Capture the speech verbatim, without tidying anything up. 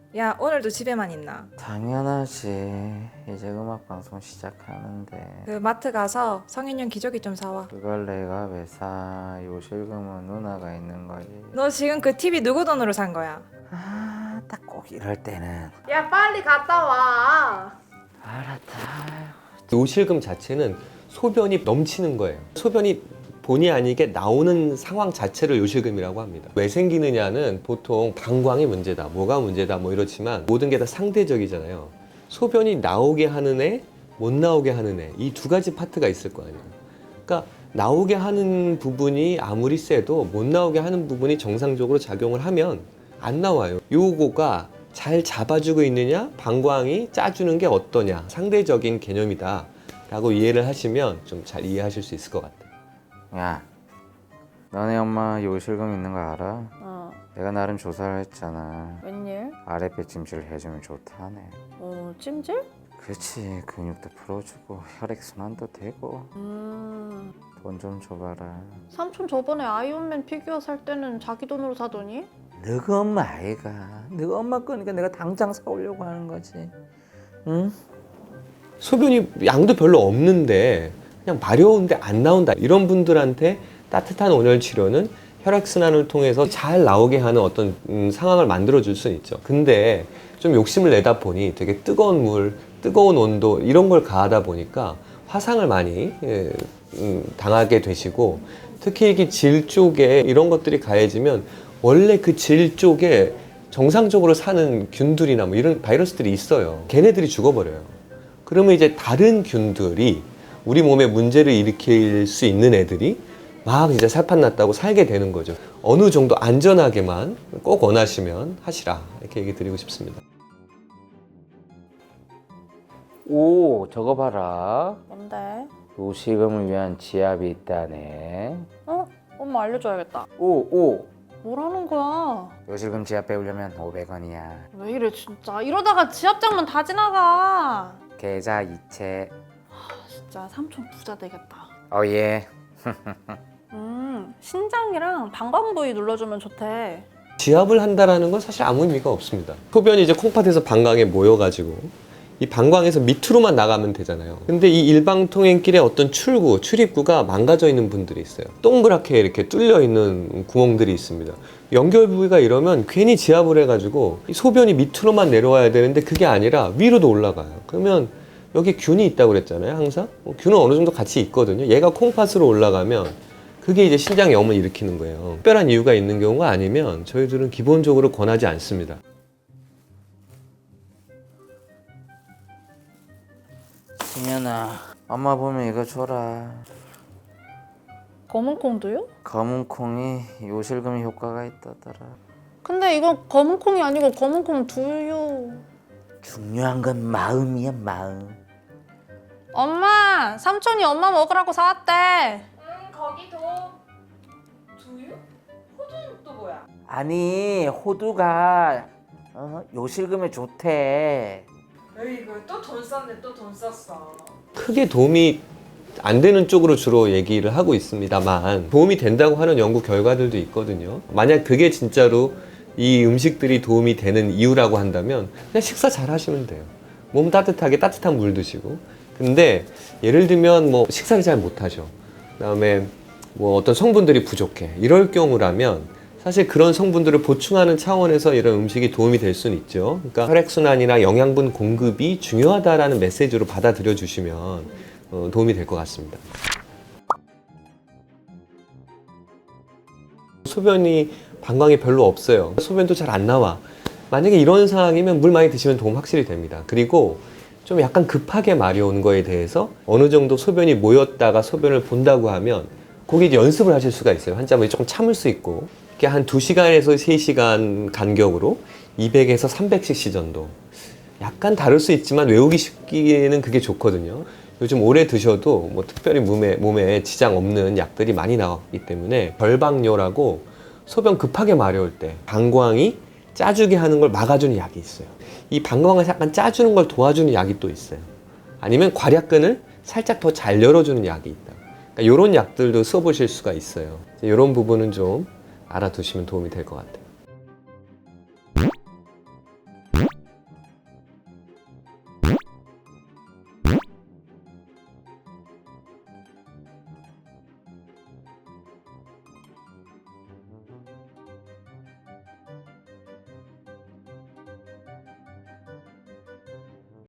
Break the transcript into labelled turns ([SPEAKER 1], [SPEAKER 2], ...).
[SPEAKER 1] 야, 오늘도 집에만 있나?
[SPEAKER 2] 당연하지. 이제 음악 방송 시작하는데
[SPEAKER 1] 그 마트 가서 성인용 기저귀 좀 사와.
[SPEAKER 2] 그걸 내가 왜 사? 요실금은 누나가 있는 거지.
[SPEAKER 1] 너 지금 그 티비 누구 돈으로 산 거야?
[SPEAKER 2] 아, 딱 꼭 이럴 때는.
[SPEAKER 1] 야, 빨리 갔다 와.
[SPEAKER 2] 알았다.
[SPEAKER 3] 요실금 자체는 소변이 넘치는 거예요. 소변이 본의 아니게 나오는 상황 자체를 요실금이라고 합니다. 왜 생기느냐는 보통 방광이 문제다, 뭐가 문제다 뭐 이렇지만 모든 게 다 상대적이잖아요. 소변이 나오게 하는 애, 못 나오게 하는 애, 이 두 가지 파트가 있을 거 아니에요. 그러니까 나오게 하는 부분이 아무리 세도 못 나오게 하는 부분이 정상적으로 작용을 하면 안 나와요. 요거가 잘 잡아주고 있느냐, 방광이 짜주는 게 어떠냐, 상대적인 개념이다 라고 이해를 하시면 좀 잘 이해하실 수 있을 것 같아요.
[SPEAKER 2] 야, 너네 엄마 요실금 있는 거 알아?
[SPEAKER 4] 어,
[SPEAKER 2] 내가 나름 조사를 했잖아.
[SPEAKER 4] 웬일?
[SPEAKER 2] 아랫배 찜질 해주면 좋다네.
[SPEAKER 4] 어, 찜질?
[SPEAKER 2] 그치, 근육도 풀어주고 혈액순환도 되고.
[SPEAKER 4] 음,
[SPEAKER 2] 돈 좀 줘봐라.
[SPEAKER 4] 삼촌 저번에 아이언맨 피규어 살 때는 자기 돈으로 사더니?
[SPEAKER 2] 너가 엄마 아이가. 너가 엄마 거니까 내가 당장 사오려고 하는 거지. 응?
[SPEAKER 3] 소변이 양도 별로 없는데 그냥 마려운데 안 나온다, 이런 분들한테 따뜻한 온열 치료는 혈액순환을 통해서 잘 나오게 하는 어떤 음, 상황을 만들어 줄 수는 있죠. 근데 좀 욕심을 내다 보니 되게 뜨거운 물, 뜨거운 온도 이런 걸 가하다 보니까 화상을 많이 예, 음, 당하게 되시고, 특히 이게 질 쪽에 이런 것들이 가해지면 원래 그 질 쪽에 정상적으로 사는 균들이나 뭐 이런 바이러스들이 있어요. 걔네들이 죽어버려요. 그러면 이제 다른 균들이 우리 몸에 문제를 일으킬 수 있는 애들이 막 이제 살판 났다고 살게 되는 거죠. 어느 정도 안전하게만 꼭 원하시면 하시라, 이렇게 얘기 드리고 싶습니다.
[SPEAKER 2] 오, 저거 봐라.
[SPEAKER 4] 뭔데?
[SPEAKER 2] 요실금을 위한 지압이 있다네.
[SPEAKER 4] 어? 엄마 알려줘야겠다.
[SPEAKER 2] 오, 오.
[SPEAKER 4] 뭐라는 거야?
[SPEAKER 2] 요실금 지압 배우려면 오백 원이야.
[SPEAKER 4] 왜 이래 진짜. 이러다가 지압장만 다 지나가.
[SPEAKER 2] 계좌 이체.
[SPEAKER 4] 진짜 삼촌 부자 되겠다.
[SPEAKER 2] 어예.
[SPEAKER 4] 음, 신장이랑 방광 부위 눌러주면 좋대.
[SPEAKER 3] 지압을 한다라는 건 사실 아무 의미가 없습니다. 소변이 이제 콩팥에서 방광에 모여가지고 이 방광에서 밑으로만 나가면 되잖아요. 근데 이 일방통행길의 어떤 출구, 출입구가 망가져 있는 분들이 있어요. 동그랗게 이렇게 뚫려 있는 구멍들이 있습니다. 연결 부위가 이러면 괜히 지압을 해가지고 이 소변이 밑으로만 내려와야 되는데 그게 아니라 위로도 올라가요. 그러면 여기 균이 있다고 그랬잖아요, 항상. 어, 균은 어느 정도 같이 있거든요. 얘가 콩팥으로 올라가면 그게 이제 신장 염을 일으키는 거예요. 특별한 이유가 있는 경우가 아니면 저희들은 기본적으로 권하지 않습니다.
[SPEAKER 2] 승현아, 엄마 보면 이거 줘라.
[SPEAKER 4] 검은 콩도요?
[SPEAKER 2] 검은 콩이 요실금 효과가 있다더라.
[SPEAKER 4] 근데 이건 검은 콩이 아니고 검은 콩 두유.
[SPEAKER 2] 중요한 건 마음이야, 마음.
[SPEAKER 4] 엄마! 삼촌이 엄마 먹으라고 사왔대.
[SPEAKER 1] 응, 거기 도 두유? 호두는 또 뭐야?
[SPEAKER 2] 아니, 호두가 어, 요실금에 좋대.
[SPEAKER 1] 에이구, 또 돈 썼네, 또 돈 썼어.
[SPEAKER 3] 크게 도움이 안 되는 쪽으로 주로 얘기를 하고 있습니다만 도움이 된다고 하는 연구 결과들도 있거든요. 만약 그게 진짜로 이 음식들이 도움이 되는 이유라고 한다면 그냥 식사 잘 하시면 돼요. 몸 따뜻하게 따뜻한 물 드시고. 근데 예를 들면 뭐 식사를 잘 못하셔, 그다음에 뭐 어떤 성분들이 부족해, 이럴 경우라면 사실 그런 성분들을 보충하는 차원에서 이런 음식이 도움이 될 수는 있죠. 그러니까 혈액순환이나 영양분 공급이 중요하다라는 메시지로 받아들여 주시면 어, 도움이 될 것 같습니다. 소변이 방광이 별로 없어요. 소변도 잘 안 나와. 만약에 이런 상황이면 물 많이 드시면 도움 확실히 됩니다. 그리고 좀 약간 급하게 마려운 거에 대해서 어느 정도 소변이 모였다가 소변을 본다고 하면 거기 이제 연습을 하실 수가 있어요. 환자분이 조금 참을 수 있고, 이렇게 한 두 시간에서 세 시간 간격으로 이백에서 삼백 씨씨 정도. 약간 다를 수 있지만 외우기 쉽기에는 그게 좋거든요. 요즘 오래 드셔도 뭐 특별히 몸에, 몸에 지장 없는 약들이 많이 나왔기 때문에 결방뇨라고 소변 급하게 마려울 때 방광이 짜주게 하는 걸 막아주는 약이 있어요. 이 방광을 약간 짜주는 걸 도와주는 약이 또 있어요. 아니면 괄약근을 살짝 더 잘 열어주는 약이 있다. 그러니까 이런 약들도 써보실 수가 있어요. 이런 부분은 좀 알아두시면 도움이 될 것 같아요.